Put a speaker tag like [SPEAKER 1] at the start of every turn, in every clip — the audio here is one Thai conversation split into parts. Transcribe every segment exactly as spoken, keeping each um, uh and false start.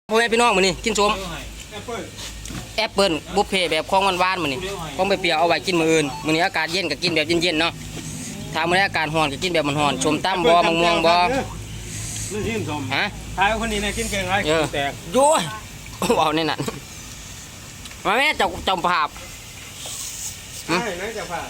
[SPEAKER 1] พ่อแม่พี่น้องมื้อนี้กินส้มแอปเปิ้ลบุฟเฟ่แบบของหวานๆมื้อนี้ของไปเปรี้ยวเอาไว้กินมื้ออื่นมื้อนี้อากาศเย็นก็กินแบบเย็นๆเนาะถ้ามื้อนี้อากาศร้อนก็กินแบบมันร้อนชมตำบ่มะม่วงบ่
[SPEAKER 2] นี่ทีมชม
[SPEAKER 1] ฮะ
[SPEAKER 2] ทายคนนี้นะกินเก่งไรแตก
[SPEAKER 1] โย้ยเอาในนั้นมาแม่เจ้าจอมภาพ
[SPEAKER 2] ใช่นะจะผ่า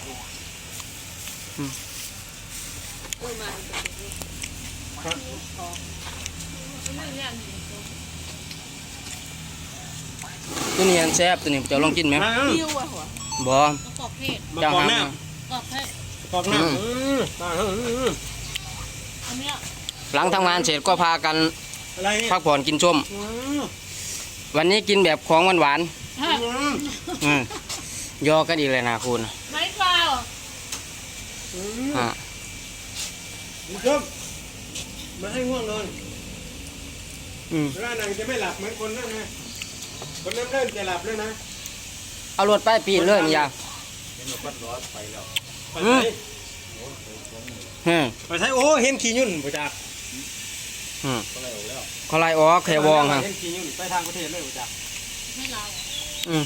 [SPEAKER 1] ตัวนี้อันแซ่บตัวนี้เจ้าลองกินไหมบ่
[SPEAKER 2] เจ้าหางกอกน้ำ
[SPEAKER 1] หลังทำงานเสร็จก็พากันพักผ่อนกินส้มวันนี้กินแบบของหวานๆยอกันอีกเลยนะคุณ
[SPEAKER 3] ไม่เปล่า
[SPEAKER 1] ฮะ
[SPEAKER 2] ชมมาให้ง่วงนอนร่างนางจะไม่หลับเหมือนคนนั่นนะคนนั้นเริ่มจะหลับแล้วนะ
[SPEAKER 1] เอารถไปปีนเลยมั้ยยา
[SPEAKER 2] ไปใช้โอ้เห็นขี้ยุ่นประจักษ์
[SPEAKER 1] เขาไล่ออกแค่วองฮะ
[SPEAKER 2] เห็นขี้ยุ่นไปทางประเทศเลยประจักษ์
[SPEAKER 3] ไม่เรา
[SPEAKER 1] อืม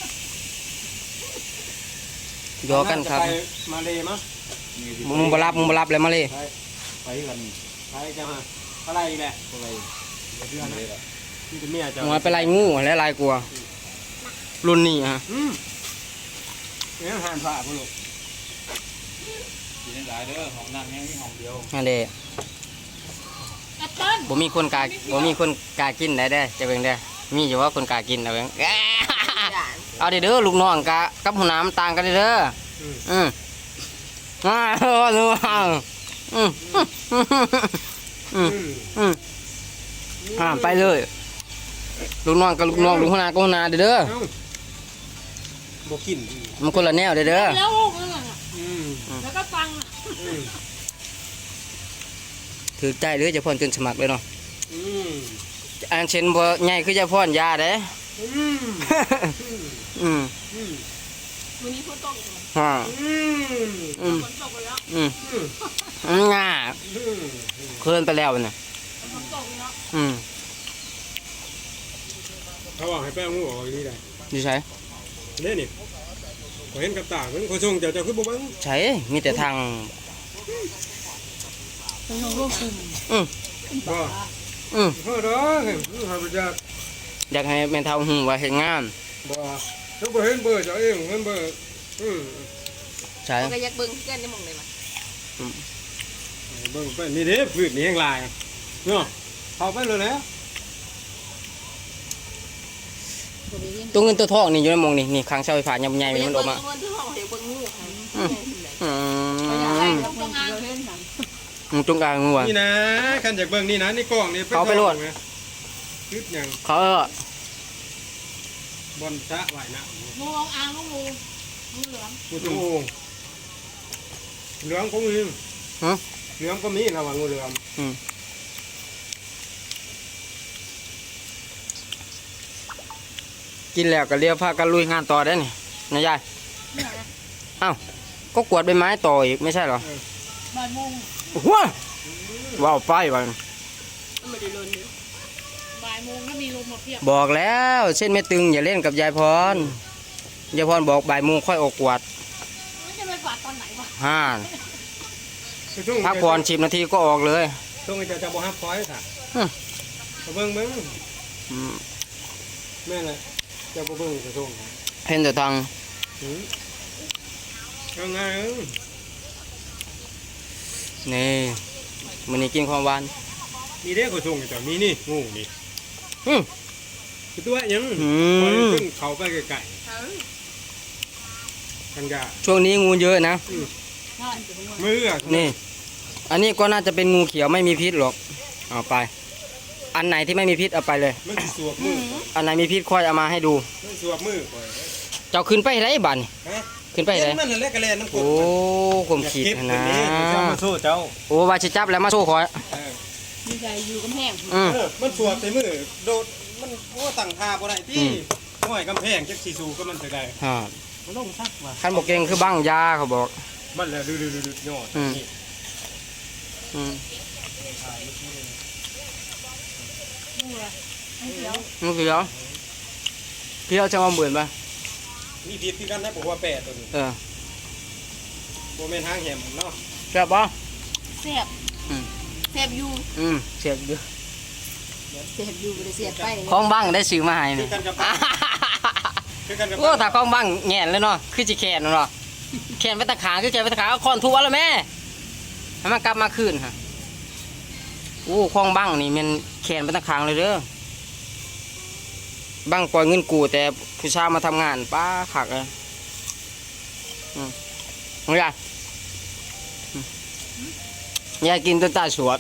[SPEAKER 1] ยอกันครับ
[SPEAKER 2] มาเลยมั้ง
[SPEAKER 1] มึงบรับมึงบรับเลยมาเลย
[SPEAKER 2] ไปกันไปจังฮะอะไรอีกแหละอะไรนี่เป็นเมียจ้ะ
[SPEAKER 1] มึงไปไล่งูและไล่กลัวรุ่นนี้ฮะ
[SPEAKER 2] อืมเนี่ยหันผ่าพวกลูกกินได้เด้อห้องนั่งแห้งนี่ห้องเดียว
[SPEAKER 1] นั่นเด้บ่มีคนกาบ่มีคนกากินได้เด้อจะเป็นเด้อมีอยู่ว่าคนกากินเอาเองเอาเด้อลูกน้องกะกับหัวหน้ามันต่างกันเด้ออืมอ่าเออดูอ่าอืมอืมอืมอ่าไปเลยลูกน้องกับลูกน้องลูกหัวหน้ากับหัวหน้าเด้อ
[SPEAKER 2] บ่กิน
[SPEAKER 1] มันคนละแนวเด้อแล้ว
[SPEAKER 3] แล้วก็ฟัง
[SPEAKER 1] ถือใจหรือจะพ่นจนสมัครเลยเนาะอันเช่นบ่ใหญ่คือจะพ่นยาเด้อืม
[SPEAKER 3] วันนี้ฝนตก
[SPEAKER 1] ฮะอืม
[SPEAKER 3] ฝนตกไปแล้ว
[SPEAKER 1] อืมอืมง่าเคลื่อนไปแล้วเนี่ย
[SPEAKER 3] ฝนตกแล้ว
[SPEAKER 1] อืม
[SPEAKER 2] เขาบอกให้แป้งงูออกนี่ได้
[SPEAKER 1] ดีใช่
[SPEAKER 2] เนี่ยนี่ขอเห็นกับตาเหมือนคนส่งเจ้าเจ้าคือบ่บัง
[SPEAKER 1] ใช่มีแต่ทาง
[SPEAKER 3] เป็นของลูกกลุ่ม
[SPEAKER 1] อืม
[SPEAKER 2] บ่
[SPEAKER 1] อืม
[SPEAKER 2] เฮ้อเด้อเห็นหาประจักษ์
[SPEAKER 1] อยากให้แม่เฒ่าหูว่าเฮ็ดงาน
[SPEAKER 2] บ่ถ้าบ่เห็นเบอร์เจ้าเองเห็นเบอร์อืม
[SPEAKER 1] ใช่
[SPEAKER 3] ก็อยากเบิ่งเพื่อนได้มองได้มั้ย
[SPEAKER 1] อืม
[SPEAKER 2] เบิ่งไปนี่เด้พืชนี่แห้งลายเนาะเข้าไปเลยแล้ว
[SPEAKER 1] ตัวเงินตัวทองนี่อยู่ในมองนี่นี่ค้างเสาไฟฟ้าใหญ่ๆมันออกมาอืมจงกลางงู
[SPEAKER 2] นี่นะคันจากเบิ่งนี่นะนี่กล้องนี่
[SPEAKER 1] เขาไปโหลด
[SPEAKER 2] คิดยัง
[SPEAKER 1] เขาเอ
[SPEAKER 2] อบอลสะไหวนะ
[SPEAKER 3] งูอ่างงูงูเหลือง
[SPEAKER 2] งูจงโองเหลืองก็มี
[SPEAKER 1] ฮะ
[SPEAKER 2] เหลืองก็มีระหว่างงูเหลือง
[SPEAKER 1] อืมกินแล้วก็เรียกพากันลุยงานต่อได้นี่นายยายอ้าวก็กวาดใบไม้ต่ออีกไม่ใช่หรอ
[SPEAKER 3] บ่ายโมง
[SPEAKER 1] ว้าว้าวไปวัน
[SPEAKER 3] บ่ายโมงถ้ามีลมมาเพียบ
[SPEAKER 1] บอกแล้วเส้นไม่ตึงอย่าเล่นกับยายพรยายพรบอกบ่ายโมงค่อยออกกวาด
[SPEAKER 3] จะไปกวาดตอนไหนวะ
[SPEAKER 1] ฮ่าพักผ่อนสิบนาทีก็ออกเลย
[SPEAKER 2] ช่วงนี้จะจะบอกฮับคอยค่ะเบิ้งเบิ้งแม่เลยจะบอกเบิ้งจะช่วง
[SPEAKER 1] เห็นแต่ทาง
[SPEAKER 2] ยังไง
[SPEAKER 1] นี่มันนี่กินความหวาน
[SPEAKER 2] มีเด็กก็ช่วงแต่มีนี่งูนี่คือตัวยังขึ้นเขาไปไกลๆกันกะ
[SPEAKER 1] ช่วงนี้งูเยอะนะ
[SPEAKER 2] มือ
[SPEAKER 1] นี่อันนี้ก็น่าจะเป็นงูเขียวไม่มีพิษหรอกเอาไปอันไหนที่ไม่มีพิษเอาไปเลย
[SPEAKER 2] สวบมือ
[SPEAKER 1] อันไหนมีพิษค่อยเอามาให้ดู
[SPEAKER 2] สวบมือ
[SPEAKER 1] เจ้าขึ้นไปไหนบ้านขึ้นไปไหนโอ้ข่มขีดนะโอ้วาชิจับแล้วมาโซ่คอย
[SPEAKER 3] มีใจอยู่กำแพง
[SPEAKER 2] มันสวบใส่มือโดดมันโอ้ตั้งท่าบ่ได้ที่ห้อยกำแพงจักสีสูก็มันจะได้
[SPEAKER 1] ฮะ
[SPEAKER 2] มันต้องซักมา
[SPEAKER 1] ขั้นบอกเก่งคือบังยาเขาบอก
[SPEAKER 2] มันแล้วดูดูดูยอดนี่
[SPEAKER 1] อืม
[SPEAKER 3] งูละไม่เขียว
[SPEAKER 1] งูเขียวเขียวจะมาเหมือนปะ
[SPEAKER 2] มีผิดคือกันนะผมว่าแปดตัวนี้
[SPEAKER 1] เออ
[SPEAKER 2] โมเมนทางแหมเนาะ
[SPEAKER 1] แซ่บปะ
[SPEAKER 3] เสียบ
[SPEAKER 1] อืม
[SPEAKER 3] เสียบอยู่
[SPEAKER 1] อืมเสียบอยู่
[SPEAKER 3] เสียบอยู่ไม่ได้เสียบไป
[SPEAKER 1] ของบ้างได้ซื้อมาให้
[SPEAKER 2] คื
[SPEAKER 1] นี่
[SPEAKER 2] อกันกับคือกันกับ
[SPEAKER 1] โอ้ถ้าของบ้างแง่นเลยเนาะคือจิแขนเนาะแขนไปตะขาคือแขนไปตะขาเอาคอนทุบแล้วแม่ให้มันกลับมาคืนฮะโอ้ของบ้างนี่มันแขนไปตะขางเลยเด้อบ้างปล่อยเงินกูแต่ผู้ชายมาทำงานป้าขักเลยอืมเอาอย่าอืมยายกินจนตาสวด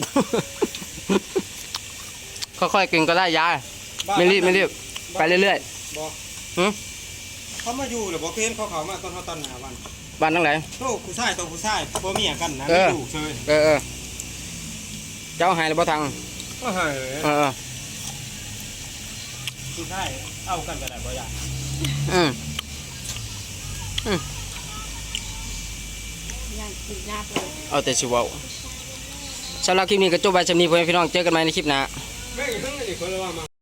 [SPEAKER 1] ค่อยๆกินก็ได้ยายไม่รีบไม่รีบไปเรื่อย
[SPEAKER 2] บอก
[SPEAKER 1] ๆหืม
[SPEAKER 2] เขามาอยู่หรือบอกเห็นเขาเขามาตอนเขาตอนหาวัน
[SPEAKER 1] บ้านทั้งไหน
[SPEAKER 2] โตผู้ชายตัวผู้ชายพ่อเมียกันนะ
[SPEAKER 1] เอ
[SPEAKER 2] ไม่
[SPEAKER 1] อ
[SPEAKER 2] อยู่เชย
[SPEAKER 1] เออเออเจ้าหายหรือเปล่าทาง
[SPEAKER 2] ก็เฮ้ย
[SPEAKER 1] เออเออ
[SPEAKER 2] ผู้ชายเอากันก็ได้บ่อยาก
[SPEAKER 1] อืม
[SPEAKER 3] ย่างกินหน้าเลย
[SPEAKER 1] เอาแต่ชิเวาสำหรับคลิปนี้ก็จบไปจำนี้พ่อแม่พี่น้องเจอกันใหม่ในคลิปหน้า
[SPEAKER 2] แม่งทั้งนี้คนละว่ามา